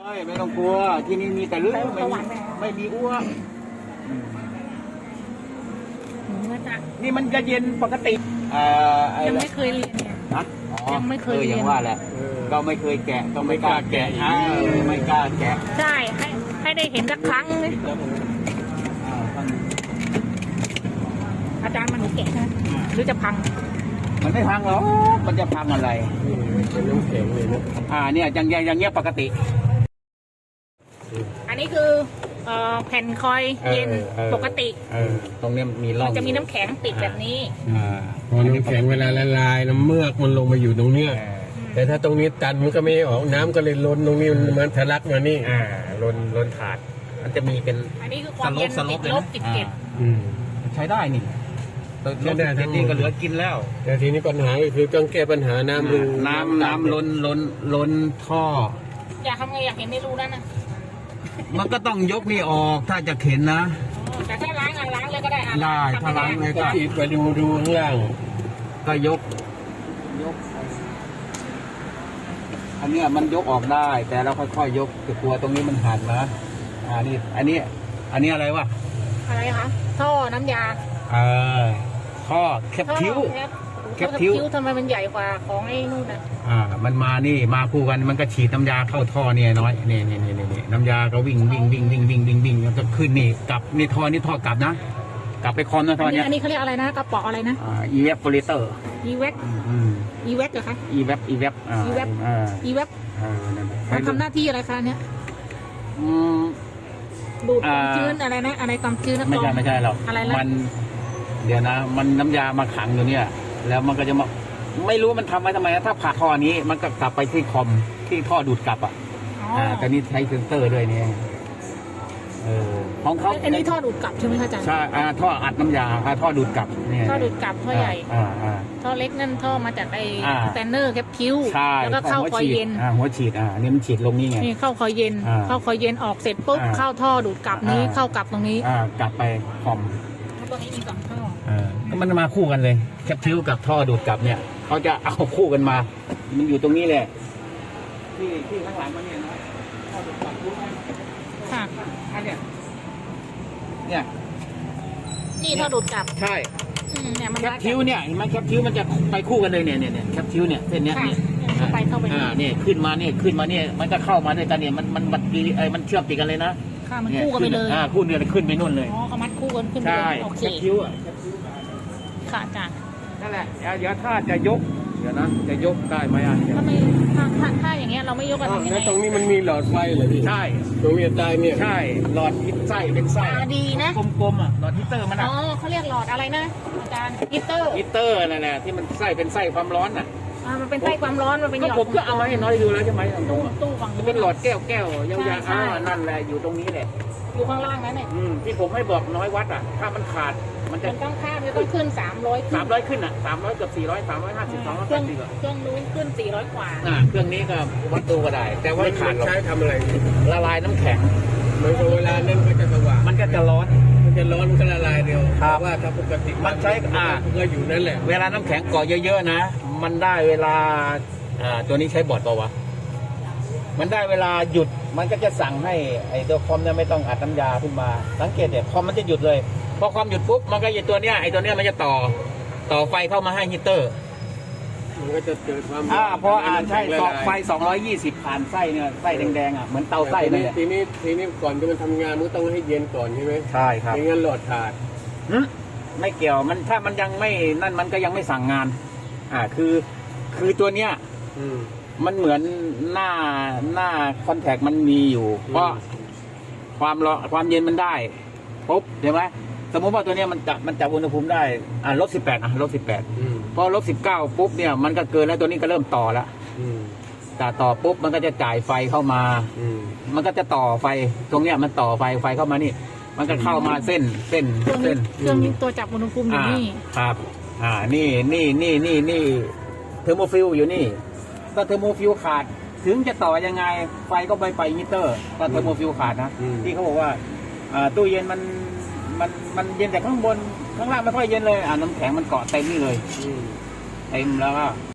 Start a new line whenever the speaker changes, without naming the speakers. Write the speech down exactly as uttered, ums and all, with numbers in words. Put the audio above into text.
ไม่ต้องกลัวที่นี่มีแต่เรื่องไม่ไม่มีอ้วกนี่มันจะเย็นปกติ
ยังไม่เคยเรียนเนี่ยยังไม่เคยเรียน
ยังว่าแหละก็ไม่เคยแกะต้องไม่กล้าแกะไม่กล้าแกะ
ใช่ให้ให้ได้เห็นสักครั้งเลยอาจารย์มันหนูแกะนะหรือจะพัง
มันไม่พังหรอกมันจะพังอะไร
เป็นน้ำแข็งเลยนะ
อ่าเนี่ยอย่างอย่างเงี้ยปกติ
อันนี้คือแผ่นคอยเย็นปกติ
ตรงนี้มีร่อง
มันจะมีน้ำแข็งติดแบบนี้
พอน้ำแข็งเวลาละลายน้ำเมือกมันลงมาอยู่ตรงเนี้ยแต่ถ้าตรงนี้ตันมันก็ไม่ออกน้ำก็เลยล้นตรงนี้มันทะลักมานี่
อ่าล้นล้นถาดมันจะมีเป็น
อันนี้คือความเย็นติดลบติดเก็บ
ใช้ได้นี่ใช้ได้ทั้งนี้ก็เหลือกินแล้ว
แต่ทีนี้ปัญหาคือต้องแก้ปัญหาน้ำ
น้ำน้ำล้นล้นล้นท่อ
อยากทำไงอยากเห็นในรูนั่นนะ
มันก็ต้องยกนี่ออกถ้าจะเข็นนะ
แต่ถ้าล้างล้างเลยก็ได้
ได้ถ้าล้างเลยก็
ฉีดไปดูดูข้างล่าง
ก็ยกยกอันนี้มันยกออกได้แต่เราค่อยๆยกแต่กลัวตรงนี้มันหันนะอ่านี่อันนี้อันนี้อะไรวะ
อะไรคะท่อน้ำยา
เออท่อแคปคิ้ว
แคปคิ้วทำไมมันใหญ่กว่าของไอ้นู่นอ่ะ
อ่ามันมานี่มาคู่กันมันก็ฉีดน้ำยาเข้าท่อเนี่ยน้อยนี่นี่นี่นี่น้ำยาก็วิ่งวิ่งวิ่งวิ่งวิ่งวิ่งวิ่งแล้วก็ขึ้นนี่กลับนี่ท่อนี่ท่อกลับนะกลับไปคอนนะท่อเนี้ย
อันนี้เขาเรียกอะไรนะกระป๋ออะไรนะ
อ่า อี วี เอฟ filter
อี วี เอฟ อี วี เอฟ เหรอคะ
อี วี เอฟ อี วี เอฟ อ่า
อี วี เอฟ อี วี เอฟ
อ่า
มันทำหน้าที่อะไรคะเนี้ย
อืม
ดูดความชื้นอะไรนะอะไรความชื้นนะ
ไม่ใช่ไม่ใช่หรอก
อะไร
มันเดี๋ยวนะมันน้ำยามาขังอยู่เนี่ยแล้วมันก็จะมาไม่รู้มันทำไว้ทำไมถ้าผ่าท่อนี้มันก็กลับไปที่คอมที่ท่อดูดกลับอ่ะอ่าแต่นี่ใช้เซนเซอร์ด้วยเนี่ยเออของเขา
อันนี้ท่อดูดกลับใช่ไหมคะอาจารย์
ใช่อ่าท่ออัดน้ำยาท่อดูดกลับเนี่ย
ท่อดูดกลับท่อใหญ่
อ่าอ่า
ท่อเล็กนั่นท่อมาจากไอ้สแตนเนอร์แคปคิ้วแล้วก็เข้าคอยเย็น
อ่าหัวฉีดอ่านี่มันฉีดลงนี่ไง
นี่เข้าคอยเย็นเข้าคอยเย็นออกเสร็จปุ๊บเข้าท่อดูดกลับนี้เข้ากลับตรงนี้
อ่ากลับไปคอม
ตรงนี้มีสองท่อ
อ่ามันมาคู่กันเลยแคปคิ้วกับท่อดูดกลับเนี่ยเขาจะเอาคู่กันมามันอยู่ตรงนี้แหละที่ที่ข้างหลังมันเนี่ยนะท่อดูดกลับรู้ไหม
ค่ะ
อันเนี้ยเนี่ย
นี่ท่อดูดกลับ
ใช่
เนี่ยมัน
แคปคิ้วเนี่ยเห็นไหมแคปคิ้วมันจะไปคู่กันเลยเนี่ยเนี่ยเนี่ยแคปคิ้วเนี่ยเส้นเนี้ยเนี่ย
ไปเข้าไป
อ่าเนี่ยขึ้นมาเนี่ยขึ้นมาเนี่ยมันก็เข้ามาด้วยกันเนี่ยมันมันมันไอ้มันเชื่อมติดกันเลยนะ
ค่ะมันคู่กันไปเลย
อ่าคู่เนี่ยขึ้นไปนู่นเลย
อ๋อเขามัดคู่กันขึ้นไปโอเค
แคปคิ้วอ่ะ
ค่ะอาจารย์
นั่นแหละเดี๋ยวถ้าจะยกเดี๋ยวนะจะยกได้ไหมอ่ะ
ถ้าไม่ถ้าถ้าอย่างเงี้ยเราไม่ยกกันทำยังไง
ตรงนี้มันมีหลอดไฟเหรอพี่
ใช่
ตรงนี้ใต้เนี่ย
ใช่หลอดฮิตไส้เป็นไส้
ดีนะ
กลมๆอ่ะหลอดฮีเตอร์มันอ่ะ
อ๋อเขาเรียกหลอดอะไรนะอาจารย์ฮีเตอร์
ฮีเตอร์นั่นแหละที่มันไส้เป็นไส้ความร้อนอ่ะ
อ่ามันเป็นไส้ความร้อนมันเป็นหลอด
ผมก็เอาไว้น้อยดูแล้วใช่ไหมตรง
ตู้ฝั่ง
จะเป็นหลอดแก้วแก้วยาวๆอ่านั่นแหละอยู่ตรงนี้แหละ
อยู่ข้างล่างนั่นเอง
ที่ผมให้บอกน้อยวัดอ่ะถ้ามันขาดมันจะ
ต้องข้ามจะต้องขึ้นสามร้อย
สามร้อยขึ้นอ่ะสามร้อยเกือบสี่ร้อยสามร้อยห้าสิบสองร้อยแปดสิบอ่ะ
เครื่องนู้นขึ้นสี่ร้อยกว่า
อ่าเครื่องนี้ก็วัดดูก็ได้แต่ว่าขาด
ใช้ทำอะไร
ละลายน้ำแข็ง
มันเวลานั้นก็จะสว่าง
มันก็จะร้อน
มันจะร้อนมันก็ละลายเดียวว่าถ้าปกติ
มันใช้อ่า
ก็อยู่นั่นแหละ
เวลาน้ำแข็งเกาะเยอะๆนะมันได้เวลาอ่าตัวนี้ใช้บอร์ดเปล่าวะมันได้เวลาหยุดมันก็จะสั่งให้ไอ้ตัวคอมเนี่ยไม่ต้องอัดน้ำยาขึ้นมาสังเกตเนี่ยคอมมันจะหยุดเลยพอคอมหยุดปุ๊บมันก็ไอ้ตัวเนี้ยไอ้ตัวเนี้ยมันจะต่อต่อไฟเข้ามาให้ฮีเตอร์
มันก็จะเกิดความ
อ่าพออ่านใช่ต่อไฟสองร้อยยี่สิบผ่านไส้เนี่ยไส้แดงๆอ่ะเหมือนเตาไส้เลย
ทีนี้ทีนี้ก่อนที่มันทำงานมันต้องให้เย็นก่อนใช่ไหม
ใช่ครับ
ไม่งั้นหลอดขาด
ไม่เกี่ยวมันถ้ามันยังไม่นั่นมันก็ยังไม่สั่งงานอ่าคือคือตัวเนี้ยมันเหมือนหน้าหน้าคอนแทคมันมีอยู่เพราะความร้อนความเย็นมันได้ปุ๊บเห็นไหมสมมติว่าตัวนี้มันจับมันจับอุณหภูมิได้อ่าลบสิบแปดอ่ะลบสิบแปดพอลบสิบเก้าปุ๊บเนี่ยมันก็เกินแล้วตัวนี้ก็เริ่มต่อแล้วแต่ต่อปุ๊บมันก็จะจ่ายไฟเข้ามามันก็จะต่อไฟตรงเนี้ยมันต่อไฟไฟเข้ามานี่มันก็เข้ามาเส้นเส้นเส้น
เครื่องนี้ตัวจับอุณหภูมิอยู่นี่
ครับอ่านี่นี่นี่นี่นี่เทอร์โมฟิลอยู่นี่ก็เทอร์โมฟิวขาดถึงจะต่อยังไงไฟก็ไปไปมิเตอร์ก็เทอร์โมฟิวขาดนะที่เขาบอกว่าตู้เย็นมันมันมันเย็นแต่ข้างบนข้างล่างไม่ค่อยเย็นเลยอ่าน้ำแข็งมันเกาะเต็มนี่เลยเต็มแล้วก็